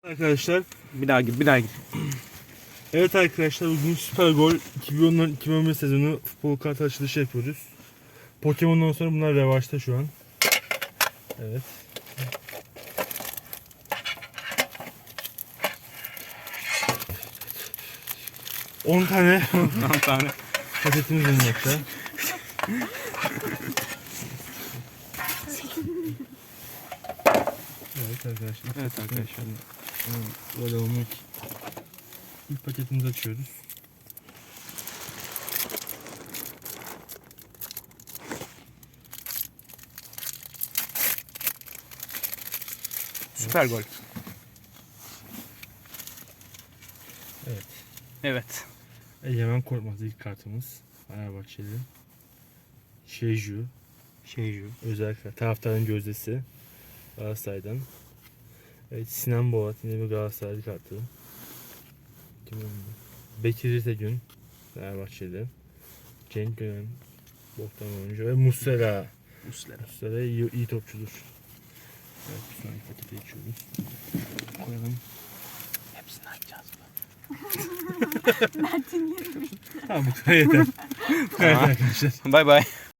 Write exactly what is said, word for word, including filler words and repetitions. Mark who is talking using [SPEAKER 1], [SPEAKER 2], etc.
[SPEAKER 1] Arkadaşlar,
[SPEAKER 2] Bir daha git, bir daha git.
[SPEAKER 1] evet arkadaşlar bugün Süper Gol iki bin on iki bin on bir sezonu futbol kart açılışı yapıyoruz. Pokemon'dan sonra bunlar revaçta şu an. Evet. on tane
[SPEAKER 2] on tane.
[SPEAKER 1] paketimiz bulunmakta. Evet arkadaşlar.
[SPEAKER 2] Evet arkadaşlar.
[SPEAKER 1] Böyle olmak. İlk paketimizi açıyoruz.
[SPEAKER 2] Süper gol.
[SPEAKER 1] Evet.
[SPEAKER 2] Evet.
[SPEAKER 1] Egemen Korkmaz ilk kartımız. Fenerbahçeli. Şeju.
[SPEAKER 2] Şeyju.
[SPEAKER 1] Özel kart. Taraftarın gözdesi. Galatasaray'dan. Evet, Sinan Boğat yine bir Galatasaraylı kartı. Kim oldu? Bekir İrtegün. Fenerbahçeli. Cenk Gönen. Boktan oyuncu. Ve Muslera.
[SPEAKER 2] Muslera.
[SPEAKER 1] Muslera iyi, iyi topçudur. Evet, bir sonraki pakete geçiyoruz. Koyalım.
[SPEAKER 2] Hepsini açacağız mı?
[SPEAKER 1] Tamam, bu kadar yeter. Evet arkadaşlar.
[SPEAKER 2] Bay bay.